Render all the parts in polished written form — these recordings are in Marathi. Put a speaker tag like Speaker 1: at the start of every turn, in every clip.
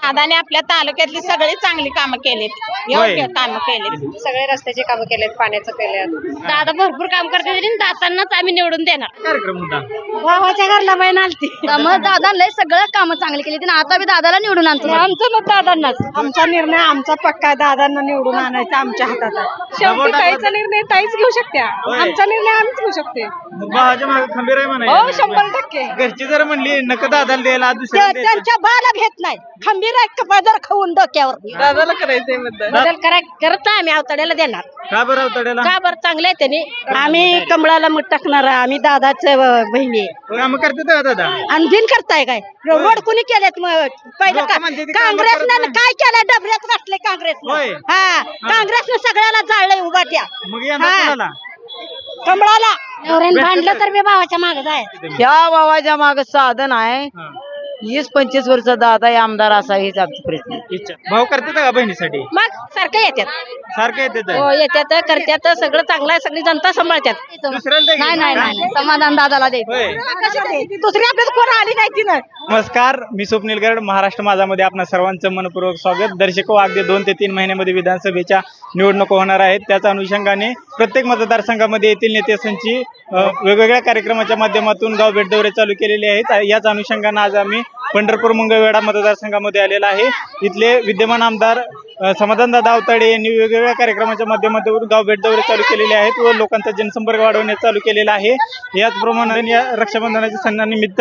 Speaker 1: दादाने आपल्या तालुक्यातली सगळी चांगली कामं केलीत, योग्य कामं केलीत,
Speaker 2: सगळे रस्त्याची कामं केलेत, पाण्याचं केलं.
Speaker 1: दादा भरपूर काम करते, दादांनाच आम्ही निवडून देणार.
Speaker 3: कार्यक्रम होता
Speaker 1: भावाच्या घरला बहीण आलती, मग दादांना सगळं कामं चांगली केली, आता बी दादाला निवडून आणतो. आमचं मत दादांनाच.
Speaker 2: आमचा निर्णय आमचा पक्का, दादांना निवडून आणायचा आमच्या हातात आहे. शेवटी ताईचा निर्णय ताईच घेऊ शकते, आमचा निर्णय आम्हीच घेऊ शकते.
Speaker 3: भावाच्या मागे खंबीर आहे
Speaker 2: हो,
Speaker 3: म्हणा.
Speaker 2: 100%.
Speaker 3: घरची जर म्हणली नका दादाला द्यायला दुसऱ्या
Speaker 1: त्यांच्या बाला घेत नाही, खंबीर पदर खाऊन डोक्यावर.
Speaker 2: दादाला करायचंय मतदान.
Speaker 1: बदल करत आम्ही अवताड्याला देणार.
Speaker 3: का बरं अवताड्याला
Speaker 1: का बरं चांगले त्यांनी. आम्ही कमळाला मत टाकणार, आम्ही दादाच बहिणी
Speaker 3: काम करते का दादा?
Speaker 1: आणखीन करताय काय रोड कुणी केलेत पहिलं
Speaker 3: लोकं म्हणते ते कामं
Speaker 1: काँग्रेसनं
Speaker 3: करत
Speaker 1: काय केलं, डबऱ्यात बसले काँग्रेसनं.
Speaker 3: होय.
Speaker 1: हा, काँग्रेसनं सगळ्याला जाळलंय उभाट्या.
Speaker 3: मग यंदा
Speaker 1: हा.
Speaker 3: कोणाला?
Speaker 1: कमळाला भांडलं तर मी भावाच्या मागे जाय.
Speaker 2: या भावाच्या माग साधन आहे,
Speaker 3: हा.
Speaker 2: 20-25 वर्ष दादा आमदार असा हीच आमची प्रश्न.
Speaker 3: इच्छा भाऊ करते का बहिणीसाठी?
Speaker 1: मग सारखं येतात.
Speaker 3: सारखं येते
Speaker 1: हो, येतात करतात, सगळं चांगलं आहे, सगळी जनता सांभाळतात.
Speaker 3: दुसऱ्याला
Speaker 1: नाही नाही नाही, समाधान दादाला द्यायचं.
Speaker 3: होय.
Speaker 1: दुसरी आपल्याला कोण आली नाही तिनं.
Speaker 3: नमस्कार, मी स्वप्नील गड, महाराष्ट्र माझामध्ये आपणा सर्वांचं मनपूर्वक स्वागत. दर्शको, अगदी 2 ते 3 महिन्यामध्ये विधानसभेच्या निवडणुका होणार आहेत. त्याच अनुषंगाने प्रत्येक मतदारसंघामध्ये येथील नेत्यांची वेगवेगळ्या कार्यक्रमाच्या माध्यमातून गाव भेट दौरे चालू केलेले आहेत. याच अनुषंगाने आज आम्ही पंढरपूर मंगळवेढा मतदारसंघामध्ये आलेला आहे. इथले विद्यमान आमदार समाधानदादा अवताडे यांनी वेगवेगळ्या कार्यक्रमाच्या माध्यमातून गाव भेट दौरे चालू केलेले आहेत व लोकांचा जनसंपर्क वाढवण्यास चालू केलेला आहे. याचप्रमाणे या रक्षाबंधनाच्या सणानिमित्त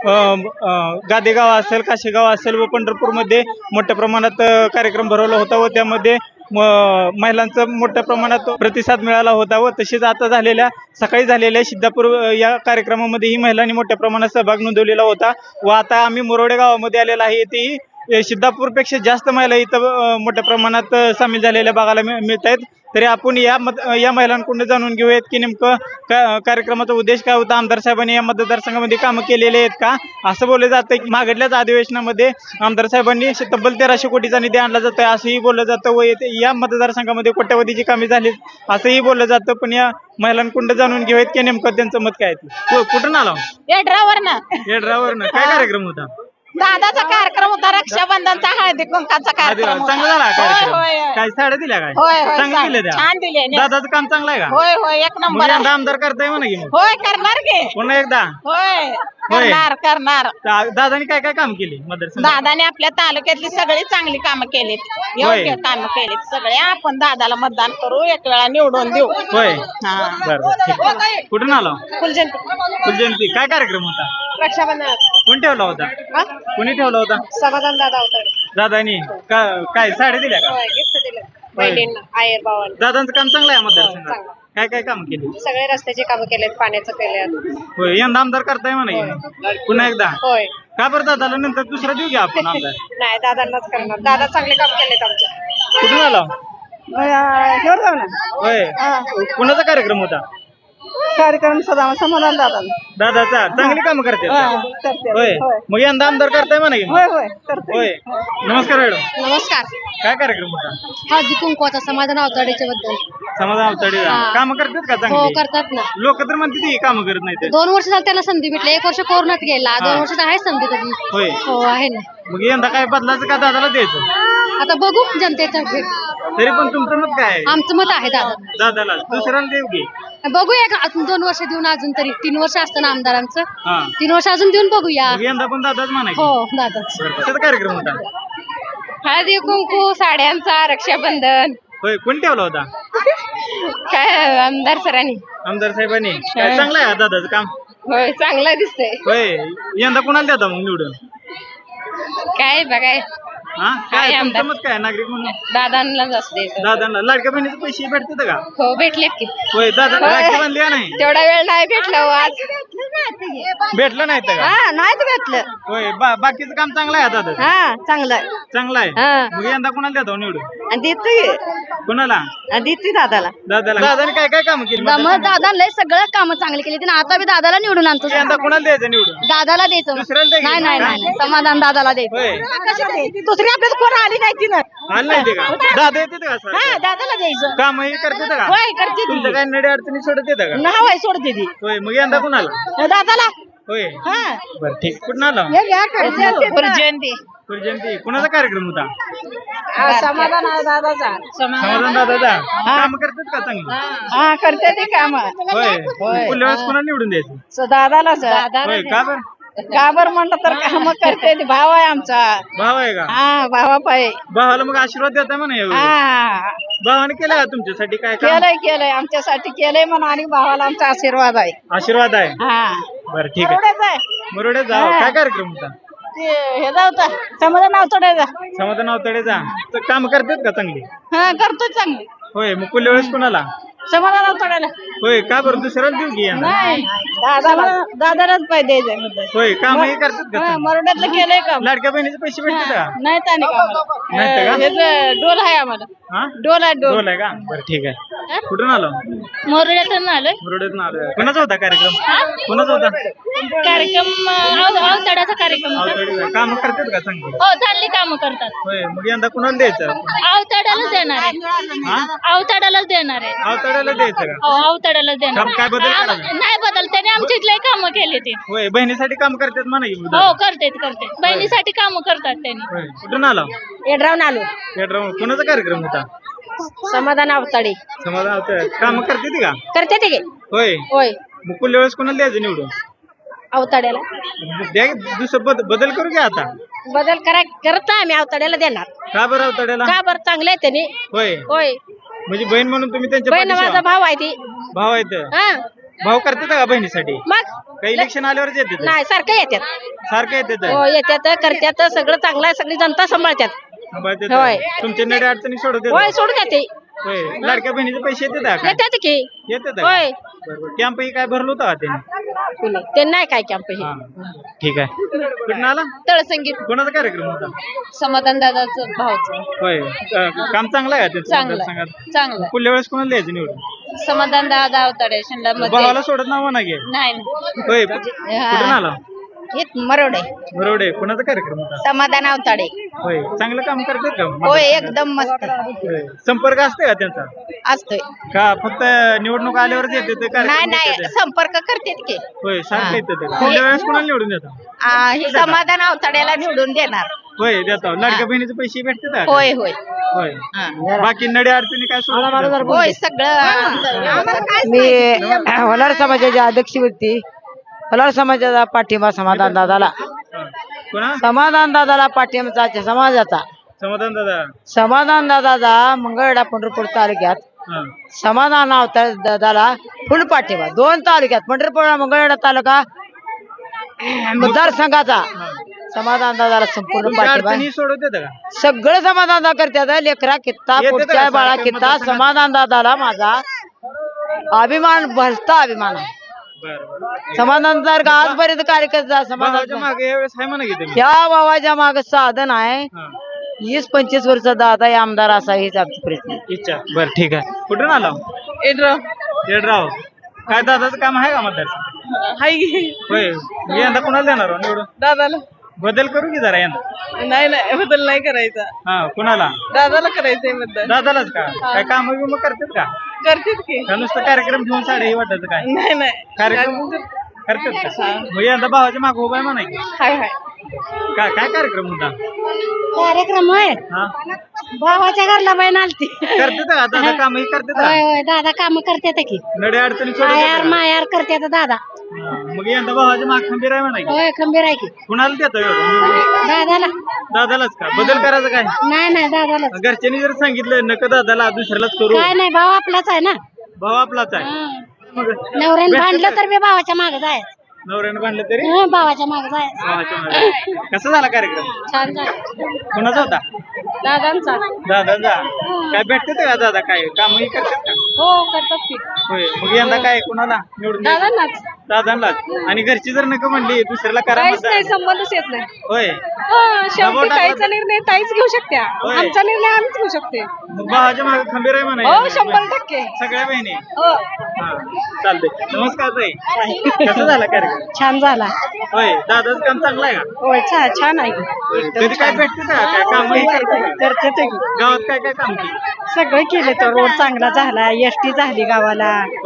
Speaker 3: गादेगाव असेल, काशेगाव असेल व पंढरपूरमध्ये मोठ्या प्रमाणात कार्यक्रम भरवला होता व त्यामध्ये महिलांचा मोठ्या प्रमाणात प्रतिसाद मिळाला होता व तसेच आता सकाळी झालेल्या सिद्धापूर या कार्यक्रमामध्ये ही महिलांनी मोठ्या प्रमाणात सहभाग नोंदवलेला होता व आता आम्ही मोरोडे गावामध्ये आलेला आहे. येथेही सिद्धापूरपेक्षा जास्त महिला इथं मोठ्या प्रमाणात सामील झालेल्या बघायला मिळत आहेत. तरी आपण या महिलांकडून जाणून घेऊयात की नेमकं कार्यक्रमाचा उद्देश काय होता, आमदार साहेबांनी या मतदारसंघामध्ये कामं केलेले आहेत का. असं बोललं जातं की मागडल्याच अधिवेशनामध्ये आमदार साहेबांनी तब्बल 1300 कोटीचा निधी आणला जातोय असंही बोललं जातं व या मतदारसंघामध्ये कोट्यवधीची कामे झाली असंही बोललं जातं. पण या महिलांकडून जाणून घेऊयात की नेमकं त्यांचं मत काय आहे. कुठून आला? येड्रावरनं. काय कार्यक्रम होता?
Speaker 1: दादाचा कार्यक्रम होता, रक्षाबंधनचा, हळदी कुंकाचा कार्यक्रम होता.
Speaker 3: चांगला झाला
Speaker 1: होय,
Speaker 3: कार्यक्रम?
Speaker 1: होय.
Speaker 3: काय साड्या दिल्या काय?
Speaker 1: होय होय,
Speaker 3: चांगलं दिलं त्या?
Speaker 1: छान दिले.
Speaker 3: दादाचं काम चांगलं आहे का?
Speaker 1: होय होय, एक
Speaker 3: मग
Speaker 1: नंबर.
Speaker 3: यंदा आमदार करताय म्हणा की मग.
Speaker 1: होय, करणार की.
Speaker 3: पुन्हा एकदा
Speaker 1: होय, करणार.
Speaker 3: दादानी काय काय काम केली मतदारसंघात?
Speaker 1: दादाने आपल्या तालुक्यातली सगळी चांगली कामं केलीत, योग्य कामं केलीत सगळे. आपण दादाला मतदान करू, एक वेळा निवडून देऊ.
Speaker 3: होय.
Speaker 1: हा.
Speaker 3: बरं, ठीक. कुठून आलो? फुलजयंती. काय कार्यक्रम होता?
Speaker 2: रक्षाबंधन
Speaker 3: कोण ठेवला होता? कोणी ठेवला होता?
Speaker 2: समाधान दादा होता.
Speaker 3: दादानी काय साड्या दिल्या का?
Speaker 2: गिफ्ट दिलं बहिणींना, आयर भावाला.
Speaker 3: दादांचं काम चांगलं आहे मतदारसंघात. काय काय काम केली?
Speaker 2: सगळे रस्त्याची कामं केलेत, पाण्याचं केलं.
Speaker 3: होय. यंदा आमदार करताय म्हणा की पुन्हा एकदा.
Speaker 2: होय.
Speaker 3: का बरं दादाला नंतर दुसरा देऊ घ्या आपण आमदार.
Speaker 2: नाही, दादांनाच करणार. दादा चांगले काम केलेत आमचे.
Speaker 3: कुठून आला? होय. कुणाचा कार्यक्रम होता?
Speaker 2: कार्यक्रम समाधान दादा.
Speaker 3: दादाचा चांगली कामं करते. होय. मग यंदा आमदार करताय म्हणा की. होय. नमस्कार मॅडम.
Speaker 1: नमस्कार.
Speaker 3: काय कार्यक्रम होता?
Speaker 1: हळदी कुंकवाचा, समाधान अवताडेच्या बद्दल.
Speaker 3: समाधान अवताडे काम करतात का
Speaker 1: हो,
Speaker 3: चांगली?
Speaker 1: करतात ना.
Speaker 3: लोक तर म्हणते ती कामं करत नाही.
Speaker 1: 2 वर्ष झालं त्यांना संधी भेटली, 1 वर्ष कोरोनात गेला, 2 वर्षात आहे संधी त्याची.
Speaker 3: होय.
Speaker 1: हो, आहे ना.
Speaker 3: मग यंदा काय बदलायचं का दादाला द्यायचं?
Speaker 1: आता बघू जनतेच्या भेट.
Speaker 3: तरी पण तुमचं मत काय आहे?
Speaker 1: आमचं मत आहे दादा.
Speaker 3: दादाला दुसऱ्याला देऊ की.
Speaker 1: बघूया अजून 2 वर्ष देऊन, अजून तरी 3 वर्ष असतं आमदारांचं.
Speaker 3: हा.
Speaker 1: 3 वर्ष अजून देऊन बघूया.
Speaker 3: मग यंदा पण दादाच म्हणायचं.
Speaker 1: हो, दादाच.
Speaker 3: कशाचा कार्यक्रम होता?
Speaker 1: हळदी कुंकू, साड्यांचा, रक्षाबंधन.
Speaker 3: होय. कोण ठेवला होता?
Speaker 1: काय आमदार सरांनी.
Speaker 3: आमदार साहेबांनी. काय चांगलं आहे दादाचं काम?
Speaker 1: होय, चांगलं दिसतंय.
Speaker 3: होय. यंदा कोणाला देता मग निवडून?
Speaker 1: काय बघाय
Speaker 3: हा. काय तुमचं मत काय नागरिक म्हणून?
Speaker 1: दादांना असते.
Speaker 3: दादांना लाडक्या बहिणीचे पैसे भेटतात का?
Speaker 1: हो, भेटलेत की.
Speaker 3: होय. दादा राखी बांधली का नाही?
Speaker 1: तेवढा वेळ नाही भेटला आज.
Speaker 3: भेटलं नाही तर का?
Speaker 1: नाहीच भेटलं.
Speaker 3: होय. बाकीचं काम चांगलं आहे दादा.
Speaker 1: हा, चांगलं
Speaker 3: चांगलं आहे.
Speaker 1: हा.
Speaker 3: मग यंदा कोणाला देतो निवडून?
Speaker 1: देतोय
Speaker 3: कोणाला?
Speaker 1: दादाला.
Speaker 3: दादाने काय काय काम केली?
Speaker 1: दादाला सगळं कामं चांगली केली, आता बी दादाला निवडून आणतो.
Speaker 3: यंदा कोणाला द्यायचं निवडून?
Speaker 1: दादाला द्यायचं.
Speaker 3: दुसऱ्याला द्यायचं?
Speaker 1: नाही नाही नाही, समाधान दादाला द्यायचं.
Speaker 3: होय.
Speaker 1: दुसरी आपल्याला कोण आली नाही तिनं.
Speaker 3: आलं नाही ते का? दादा येते का सर?
Speaker 1: हा, दादाला द्यायचं.
Speaker 3: काम हे करते का?
Speaker 1: होय, करते ती.
Speaker 3: तुमचं काय नडी अडचणी सोडत येतं का?
Speaker 1: नहावाय सोडते ती.
Speaker 3: होय. मग यंदा कोणाला?
Speaker 1: दादाला.
Speaker 3: होय
Speaker 2: हा
Speaker 3: बर ठीक कुठं आला
Speaker 1: जयंती
Speaker 3: जयंती कुणाचा कार्यक्रम होता
Speaker 2: समाधान आहे दादाचा
Speaker 3: समाधान दादाचा काम करतात का चांगली
Speaker 2: हा करते ते काम
Speaker 3: होय पुढल्या वेळेस कोणाला निवडून द्यायचं
Speaker 2: दादालाच
Speaker 3: होय का बर
Speaker 2: का बर म्हणलं तर काम करते ते भाव आहे आमचा
Speaker 3: भाव आहे का
Speaker 2: हा भावा पाय
Speaker 3: भावाला मग आशीर्वाद देता म्हणा यावेळी
Speaker 2: हा
Speaker 3: भावाने केलं का तुमच्यासाठी काय काम
Speaker 2: केलंय आमच्यासाठी केलंय म्हणून आणि भावाला आमचा आशीर्वाद आहे
Speaker 3: आशीर्वाद आहे
Speaker 2: हा
Speaker 3: बरं ठीक आहे बरोबर जाऊ काय कार्यक्रम होता
Speaker 2: हे जाऊता समाधान नाव तोडायचा
Speaker 3: समाधान अवतडे जा तर काम करतात का चांगली
Speaker 2: हा करतो चांगली
Speaker 3: होय मग पुढल्या वेळेस कोणाला
Speaker 2: समाधान नाव तोडायला
Speaker 3: होय का बरं दुसऱ्याला देऊ की यांना?
Speaker 2: नाही दादालाच पाहिजे द्यायचं
Speaker 3: होय काम हे करतात का चांगली?
Speaker 2: मरोड्यातलं केलंय का
Speaker 3: लाडक्या बहिणीचे पैसे भेटतात का
Speaker 2: नाही त्याने
Speaker 3: नाही का?
Speaker 2: का डोल आहे आम्हाला
Speaker 3: हा
Speaker 2: डोल आहे डोल
Speaker 3: डोल आहे का बरं ठीक आहे कुठून आलो
Speaker 2: मरोड्यातून आलोय
Speaker 3: मुरुडेतून आलो कोणाचा होता कार्यक्रम कोणाचा होता
Speaker 2: कार्यक्रम अवतड्याचा कार्यक्रम
Speaker 3: अवतडे काम करतात का चांगली
Speaker 2: हो चांगली कामं करतात
Speaker 3: होय मग यंदा कुणाला द्यायचं
Speaker 2: अवतड्यालाच देणार आहे
Speaker 3: हा
Speaker 2: अवतड्यालाच देणार आहे
Speaker 3: अवतड्याला द्यायचं का
Speaker 2: हो अवतड्यालाच देणार
Speaker 3: काम काय बदल करायचा?
Speaker 2: नाही बदल त्याने आमची इथले कामं केली ते
Speaker 3: होय बहिणीसाठी काम करतात म्हणा की
Speaker 2: हो करते बहिणीसाठी कामं करतात त्यांनी
Speaker 3: होय कुठून आलो
Speaker 2: एड्रावून आलो
Speaker 3: पेट्रोल कुणाचा कार्यक्रम होता
Speaker 2: समाधान अवताडे
Speaker 3: समाधान काम करते का
Speaker 2: करते ते
Speaker 3: होय
Speaker 2: होय
Speaker 3: मग पुढल्या वेळेस कोणाला द्यायचं निवडून
Speaker 2: अवताड्याला
Speaker 3: द्या दुसरं बदल करू घ्या आता
Speaker 2: बदल करत आम्ही अवताड्याला देणार
Speaker 3: का बरं अवतड्याला
Speaker 2: का बरं चांगलं आहे त्याने
Speaker 3: होय
Speaker 2: होय
Speaker 3: म्हणजे बहीण म्हणून तुम्ही त्यांच्या
Speaker 2: बहीण
Speaker 3: पाठीशी
Speaker 2: माझा
Speaker 3: आहात.
Speaker 2: भाव आहे ती
Speaker 3: भाव आहेत
Speaker 2: हा
Speaker 3: भाव करतात का बहिणीसाठी
Speaker 2: मग
Speaker 3: काही इलेक्शन आल्यावरच येते
Speaker 2: नाही सारखं येतात
Speaker 3: सारखं येते
Speaker 2: हो येतात करतात सगळं चांगलं आहे सगळी जनता सांभाळतात होय.
Speaker 3: तुमच्या नड्या अडचणी सोडत
Speaker 2: होय सोडून देते
Speaker 3: होय लाडक्या बहिणीचे पैसे येतात का
Speaker 2: येतात की
Speaker 3: येतात
Speaker 2: होय
Speaker 3: कॅम्प ही काय भरलं होतं का त्यांनी
Speaker 2: ते नाही काय कॅम्प हे
Speaker 3: हा. ठीक आहे कुठून आला
Speaker 2: तळसंगीत
Speaker 3: कोणाचा कार्यक्रम होता
Speaker 2: समाधान दादाचं भावचं
Speaker 3: होय काम चांगलं आहे का त्यांचं
Speaker 2: चांगलं
Speaker 3: मतदारसंघात?
Speaker 2: चांगलं
Speaker 3: पुढल्या वेळेस कोणाला द्यायचं निवडून
Speaker 2: समाधान दादा अवताडे शिंदा
Speaker 3: भावाला सोडत नाव म्हणा घे
Speaker 2: नाही
Speaker 3: होय कुठून आला
Speaker 2: मरोडे
Speaker 3: बरोबर कोणाचा कार्यक्रम होता
Speaker 2: समाधान अवताडे
Speaker 3: होय चांगलं काम करतात का
Speaker 2: होय एकदम मस्त
Speaker 3: होय. संपर्क असते का त्यांचा
Speaker 2: असतोय
Speaker 3: का फक्त निवडणूक आल्यावरच येते ते
Speaker 2: नाही
Speaker 3: कार्यक्रम
Speaker 2: नाही
Speaker 3: येते ते?
Speaker 2: संपर्क करतेत की
Speaker 3: होय सारखं येते ते पुढल्या वेळेस कोणाला निवडून देता
Speaker 2: हे समाधान अवताड्याला निवडून देणार
Speaker 3: होय देतो लाडक्या बहिणीचे पैसे भेटतात का
Speaker 2: होय होय
Speaker 3: होय बाकी नडे अडचणी काय सोडून
Speaker 2: होय सगळं
Speaker 4: मी वलार समाजाच्या अध्यक्ष व्यक्ती वलार समाजाचा पाठिंबा समाधान दादाला
Speaker 3: कोणा
Speaker 4: समाधान दादाला पाठिंबा समाजाचा
Speaker 3: समाधान दादा
Speaker 4: समाधान दादाचा मंगळवेढा पंढरपूर तालुक्यात
Speaker 3: हा.
Speaker 4: समाधान दादाला फुल पाठिंबा 2 तालुक्यात पंढरपूर मंगळवेढा तालुका मतदारसंघाचा समाधान दादाला संपूर्ण
Speaker 3: तुमच्या
Speaker 4: पाठिंबा
Speaker 3: अडचणी सोडवत येतं का
Speaker 4: सगळं समाधान दादा करतात लेकरा कित्ता
Speaker 3: येतं
Speaker 4: पुढच्या
Speaker 3: का
Speaker 4: बाळा
Speaker 3: सारखं
Speaker 4: कित्ता
Speaker 3: मतदारसंघात?
Speaker 4: समाधान दादाला माझा अभिमान भलता अभिमान आहे
Speaker 3: बरं
Speaker 4: समाधान जर का आजपर्यंत कार्यकर्ता
Speaker 3: भावाच्या
Speaker 4: समाधान
Speaker 3: मागे यावेळेस आहे म्हणा की तुम्ही
Speaker 4: या भावाच्या माग साधन आहे
Speaker 3: हा.
Speaker 4: 20-25 वर्ष दादा हे आमदार असा हीच आमची प्रश्न
Speaker 3: इच्छा बर ठीक आहे कुठून आला येडराव काय दादाचं काम आहे का मतदार होय मी यंदा कोणाला देणार हो निवडून
Speaker 2: दादाला
Speaker 3: बदल करू की जरा यंदा
Speaker 2: नाही बदल नाही करायचा
Speaker 3: हा कुणाला
Speaker 2: दादाला करायचंय बदल
Speaker 3: दादालाच का काय काम बिम करतात का
Speaker 2: करतेच की
Speaker 3: का नुसतं कार्यक्रम घेऊन साडे हे वाटायचं काय
Speaker 2: नाही
Speaker 3: कार्यक्रम करतात का मग यंदा भावाच्या माग उभा आहे म्हणा की
Speaker 2: हाय
Speaker 3: काय कार्यक्रम होता
Speaker 2: कार्यक्रम आहे
Speaker 3: हा
Speaker 2: भावाच्या घरला बहीण आलती
Speaker 3: करतात का दादा काम ही करतात का
Speaker 2: होय दादा काम करतात की
Speaker 3: नडे अडचणी
Speaker 2: मायार
Speaker 3: सोडून
Speaker 2: मायार करतात दादा
Speaker 3: मग यंदा भावाच्या माग खंबीर आहे म्हणा की
Speaker 2: होय खंबीर आहे की
Speaker 3: कुणाला देतो एवढं
Speaker 2: दादाला
Speaker 3: दादालाच का बदल करायचं काय
Speaker 2: नाही दादाला
Speaker 3: घरच्यांनी जर सांगितलं नका दादाला दुसऱ्यालाच करू
Speaker 2: काय नाही भाव आपलाच आहे ना
Speaker 3: भाव आपलाच आहे मग
Speaker 2: नवऱ्याने भांडलं तर मी भावाच्या मागे जाय
Speaker 3: नवऱ्यानं बांधलं तरी
Speaker 2: भावाच्या मागे जाय
Speaker 3: भावाच्या मागे. कसा झाला कार्यक्रम
Speaker 2: छान झालं
Speaker 3: कुणाचा होता
Speaker 2: दादांचा
Speaker 3: दादाचा काय भेटते का दादा काय कामही करतात का
Speaker 2: हो करतात की
Speaker 3: होय मग यंदा काय कुणाला निवडून द्यायचं?
Speaker 2: दादांनाच
Speaker 3: दादांनाच आणि घरची जर नका म्हणली दुसऱ्याला करा
Speaker 2: काहीच
Speaker 3: मतदान.
Speaker 2: नाही संबंधच येत नाही
Speaker 3: होय
Speaker 2: शेवटी ताईचा निर्णय ताईच घेऊ शकत्या
Speaker 3: होय.
Speaker 2: आमचा निर्णय आम्हीच घेऊ शकते
Speaker 3: मग भावाच्या मागे खंबीर आहे म्हणा
Speaker 2: हो 100%
Speaker 3: सगळ्या बहिणी
Speaker 2: हो
Speaker 3: हा चालतंय नमस्कार ताई कसं झाला कार्यक्रम
Speaker 2: छान झाला
Speaker 3: होय दादाचं काम चांगलं आहे का
Speaker 2: होय छान आहे
Speaker 3: कधी काय भेटते का काय कामही करते
Speaker 2: करते
Speaker 3: गावात काय काय काम केलं
Speaker 2: सगळं केलं तर रोड चांगला झाला एसटी झाली गावाला
Speaker 3: होय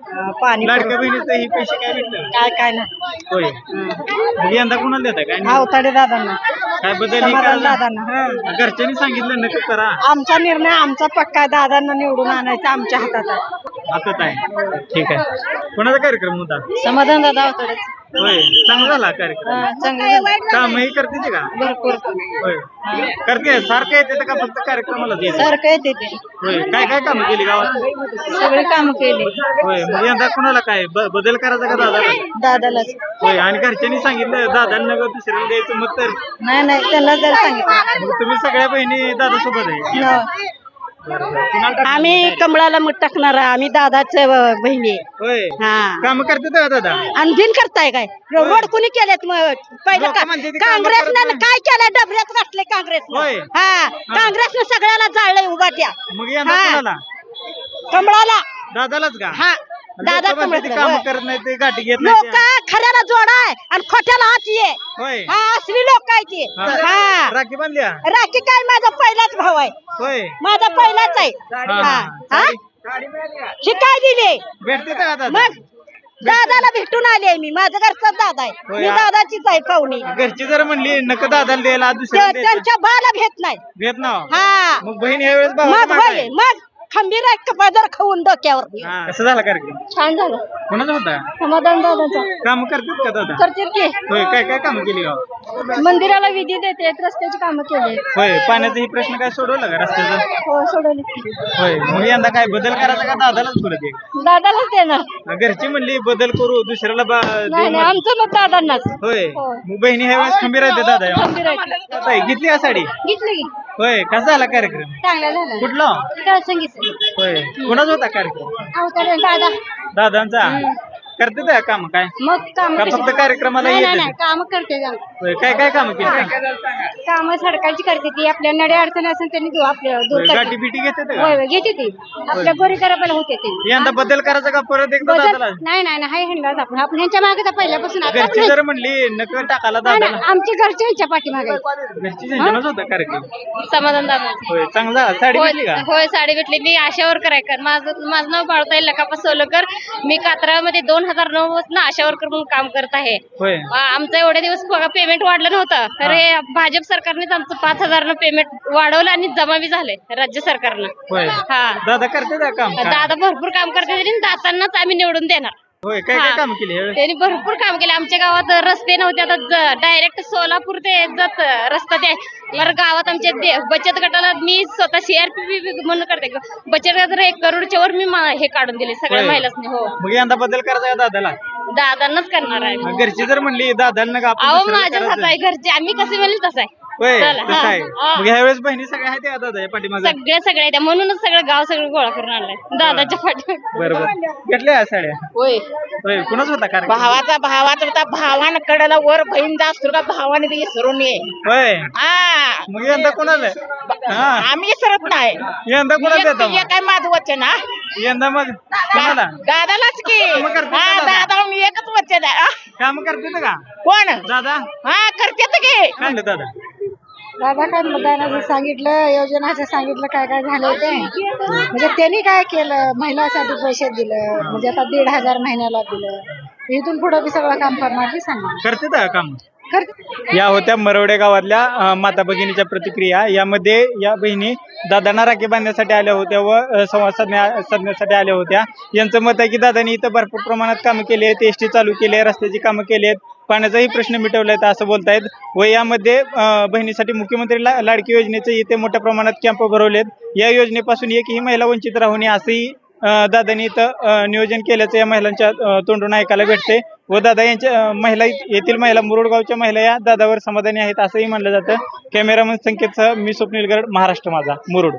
Speaker 2: पाणी
Speaker 3: लाडक्या बहिणीचं ही पैसे काय भेटलं
Speaker 2: काय नाही
Speaker 3: होय मग यंदा कुणाला देता काय नाही?
Speaker 2: अवताडे दादांना
Speaker 3: काय बदल ही
Speaker 2: समाधान
Speaker 3: काय
Speaker 2: दादांना
Speaker 3: घरच्यांनी सांगितलं नक्की करा
Speaker 2: आमचा निर्णय आमचा पक्का आहे. दादांना निवडून आणायचं आमच्या हातात आहे.
Speaker 3: हातात आहे ठीक आहे कोणाचा कार्यक्रम होता
Speaker 2: समाधान दादा अवताडे
Speaker 3: होय चांगला झाला कार्यक्रम
Speaker 2: चांगलं
Speaker 3: कामही करते ते का
Speaker 2: भरपूर
Speaker 3: होय करते सारखं येते का फक्त कार्यक्रमालाच येते
Speaker 2: सारखं येते ते
Speaker 3: होय काय काय कामं केली गावात
Speaker 2: सगळे काम केले
Speaker 3: होय मग यंदा कुणाला काय बदल करायचा का दादा
Speaker 2: दादालाच
Speaker 3: होय आणि घरच्यांनी सांगितलं दादांना दुसऱ्याला द्यायचं मग तर
Speaker 2: नाही त्यांना जर सांगितलं
Speaker 3: मग तुम्ही सगळ्या बहिणी दादा सोबत आहे
Speaker 2: आम्ही कमळाला मत टाकणार आम्ही दादाच बहिणी आहे.
Speaker 3: होय
Speaker 2: हा
Speaker 3: काम करते का दादा
Speaker 2: आणि बिन करताय काय रोड कुणी केलेत मग पहिलं
Speaker 3: लोकं म्हणते ते कामं
Speaker 2: काँग्रेसनं
Speaker 3: करत नाही.
Speaker 2: काय केलं डबऱ्यात घातले काँग्रेसनं
Speaker 3: होय.
Speaker 2: हा काँग्रेसनं सगळ्याला जाळलंय उभाट्या
Speaker 3: मग यंदा
Speaker 2: हा.
Speaker 3: कुणाला
Speaker 2: कमळाला
Speaker 3: दादालाच का
Speaker 2: हा दादा
Speaker 3: लोकं म्हणते ते काम
Speaker 2: कमळ
Speaker 3: करत नाही ते गाठी घेत नाही
Speaker 2: लोक
Speaker 3: ते.
Speaker 2: खऱ्याला जोडाय आणि खोट्याला हात ये
Speaker 3: होय
Speaker 2: हा असली लोक आहे ती
Speaker 3: हा.
Speaker 2: हा
Speaker 3: राखी बांधल्या
Speaker 2: राखी काय माझा पहिलाच भाव आहे
Speaker 3: होय
Speaker 2: माझा पहिलाच आहे
Speaker 3: हा,
Speaker 2: हा
Speaker 3: हा.
Speaker 2: हा शिकाय दिली
Speaker 3: भेटते का दादा
Speaker 2: मग दादाला भेटून आले मी माझं घरचाच दादा आहे
Speaker 3: होय,
Speaker 2: मी
Speaker 3: हा.
Speaker 2: दादाचीच आहे पाहुणी
Speaker 3: घरची जर म्हणली नका दादाला द्यायला दुसऱ्याला द्यायचं
Speaker 2: त्यांच्या बाला भेट नाही
Speaker 3: घेत ना
Speaker 2: हा
Speaker 3: मग बहीण यावेळेस
Speaker 2: मग
Speaker 3: भावाचं मागं
Speaker 2: होय
Speaker 3: आहे.
Speaker 2: मग खंबीर आहे पदर खाऊन डोक्यावर
Speaker 3: हा, कसं झाला कार्यक्रम
Speaker 2: छान झालं
Speaker 3: कोणाचा होता
Speaker 2: समाधान दादाचा
Speaker 3: काम करतात का दादा
Speaker 2: करते की
Speaker 3: होय काय काय काम केली गाव
Speaker 2: मंदिराला विधी देते रस्त्याची कामं केली
Speaker 3: होय पाण्याचा ही प्रश्न काय सोडवला का रस्त्याचा
Speaker 2: हो सोडवली
Speaker 3: होय मग यंदा काय बदल करायचा का दादालाच परत एक
Speaker 2: दादालाच देणार
Speaker 3: घरची म्हणली बदल करू दुसऱ्याला देऊ मत.
Speaker 2: आमचं मत दादांनाच
Speaker 3: होय
Speaker 2: हो.
Speaker 3: मग बहिणी ह्या वेळेस खंबीर आहेत दादा
Speaker 2: खंबीर आहे.
Speaker 3: ताई, घेतली का साडी
Speaker 2: घेतली की
Speaker 3: होय कसा झाला कार्यक्रम
Speaker 2: चांगला झाला
Speaker 3: कुठला
Speaker 2: काय सांगितलं
Speaker 3: होय कोणाचा होता कार्यक्रम
Speaker 2: अवतार दादा
Speaker 3: दादांचा करते त्या काम काय
Speaker 2: मग काम
Speaker 3: का फक्त कार्यक्रमाला येते
Speaker 2: काम करते
Speaker 3: होय काय काय काम केली
Speaker 2: काम सडकांची करते ती आपल्या नडे अडचण असेल त्यांनी देऊ आपल्या दूर
Speaker 3: होय,
Speaker 2: करते.
Speaker 3: गाठी बिटी घेते ते का?
Speaker 2: होय होय, घेते ती आपल्या गोरी गराबाला होते ती
Speaker 3: यंदा बदल करायचा का परत एकदा
Speaker 2: बदल
Speaker 3: दादाला
Speaker 2: नाही नाही नाही, हाय हंडाच आपण ह्यांच्या मागे तर पहिल्यापासून आता
Speaker 3: घरची
Speaker 2: आपण-
Speaker 3: जर म्हणली नक टाकायला
Speaker 2: नाही,
Speaker 3: दादाला
Speaker 2: नाही, आमची घरच्या ह्याच्या पाठीमागे
Speaker 3: घरची झंझणच होता कार्यक्रम
Speaker 2: समाधान दादा
Speaker 3: होय चांगला साडी भेटली का
Speaker 2: होय साडी भेटली मी आशावर करायकर माझं नाव बाळताई लकापा सोलकर मी कात्रामध्ये 2009 पासून आशावर म्हणून काम करत आहे
Speaker 3: होय
Speaker 2: आमचं एवढे दिवस पेमेंट वाढलं नव्हतं तर हे भाजप सरकारनेच आमचं 5,000 पेमेंट वाढवलं आणि जमा बी झालंय राज्य सरकारनं
Speaker 3: होय
Speaker 2: हा
Speaker 3: दादा करते का काम
Speaker 2: दादा भरपूर काम करते आणि दातांनाच आम्ही निवडून देणार
Speaker 3: होय काय काय
Speaker 2: हा.
Speaker 3: काम केली यावेळेस?
Speaker 2: त्यांनी भरपूर काम केले आमच्या गावात रस्ते नव्हते आता डायरेक्ट सोलापूर ते जात रस्ता ते तर गावात आमच्या बचत गटाला मी स्वतः CRP म्हणून करते बचत गटाला 1 करोडच्या वर मी हे काढून दिले सगळ्या
Speaker 3: होय.
Speaker 2: महिलांनी हो
Speaker 3: मग यंदा बदल करायचा का दादाला
Speaker 2: दादांनाच करणार आहे
Speaker 3: घरची जर म्हणली दादांना का आपण
Speaker 2: अहो
Speaker 3: दुसऱ्याला
Speaker 2: माझ्याच हात
Speaker 3: करायचं?
Speaker 2: आहे घरचे आम्ही कसे म्हणले तसं आहे
Speaker 3: होय
Speaker 2: चला,
Speaker 3: तसं
Speaker 2: हा,
Speaker 3: आहे
Speaker 2: हा.
Speaker 3: मग ह्यावेळेस बहिणी सगळ्या आहेत का दादा या पाठीमागे
Speaker 2: सगळे त्या म्हणूनच सगळं गाव सगळं गोळा करून आणलाय दादाच्या पाठी
Speaker 3: बरोबर घेतल्या साड्या
Speaker 1: होय
Speaker 3: होय कुणाच होता कार्यक्रम
Speaker 1: भावाचा होता भावानं कडेला वर बहीण जास्त का भावाने ते विसरून ये
Speaker 3: होय
Speaker 1: हा
Speaker 3: मग यंदा कोणाला हा
Speaker 1: आम्ही विसरत नाही
Speaker 3: यंदा कोणाला देता
Speaker 1: हे काय माझं वचन हा
Speaker 3: यंदा मग कोणाला
Speaker 1: दादालाच की
Speaker 3: मग करते का
Speaker 1: हा
Speaker 3: दादा?
Speaker 1: दादा मी एकच वचन आहे हा.
Speaker 3: काम करते का
Speaker 1: कोण
Speaker 3: दादा
Speaker 1: हा करते की
Speaker 3: काय म्हणलं दादा
Speaker 2: दादा काय मतदानाचं सांगितलं योजनाचं सांगितलं काय काय झालं ते म्हणजे त्यांनी काय केलं महिलांसाठी पैसे दिलं म्हणजे आता 1,500 महिन्याला दिलं इथून पुढे बी सगळं काम करणार बी सांगा
Speaker 3: करते का काम या होत्या मरवडे गावातल्या माता भगिनीच्या प्रतिक्रिया यामध्ये या बहिणी दादांना राखी बांधण्यासाठी आल्या होत्या व संवाद साधण्यासाठी आल्या होत्या यांचं मत आहे की दादांनी इथं भरपूर प्रमाणात कामं केली आहेत एसटी चालू केली आहे रस्त्याची कामं केली आहेत पाण्याचाही प्रश्न मिटवला आहे असं बोलतायत व यामध्ये बहिणीसाठी मुख्यमंत्री लाडकी योजनेचे इथे मोठ्या प्रमाणात कॅम्प भरवलेत या योजनेपासून एकही महिला वंचित राहू नये असंही दादांनी इथं नियोजन केल्याचं या महिलांच्या तोंडून ऐकायला भेटते व दादा यांच्या महिला येथील महिला मुरुड गावच्या महिला या दादावर समाधानी आहेत असंही म्हणलं जातं कॅमेरामन संकेतसह मी स्वप्नील गरड महाराष्ट्र माझा मुरुड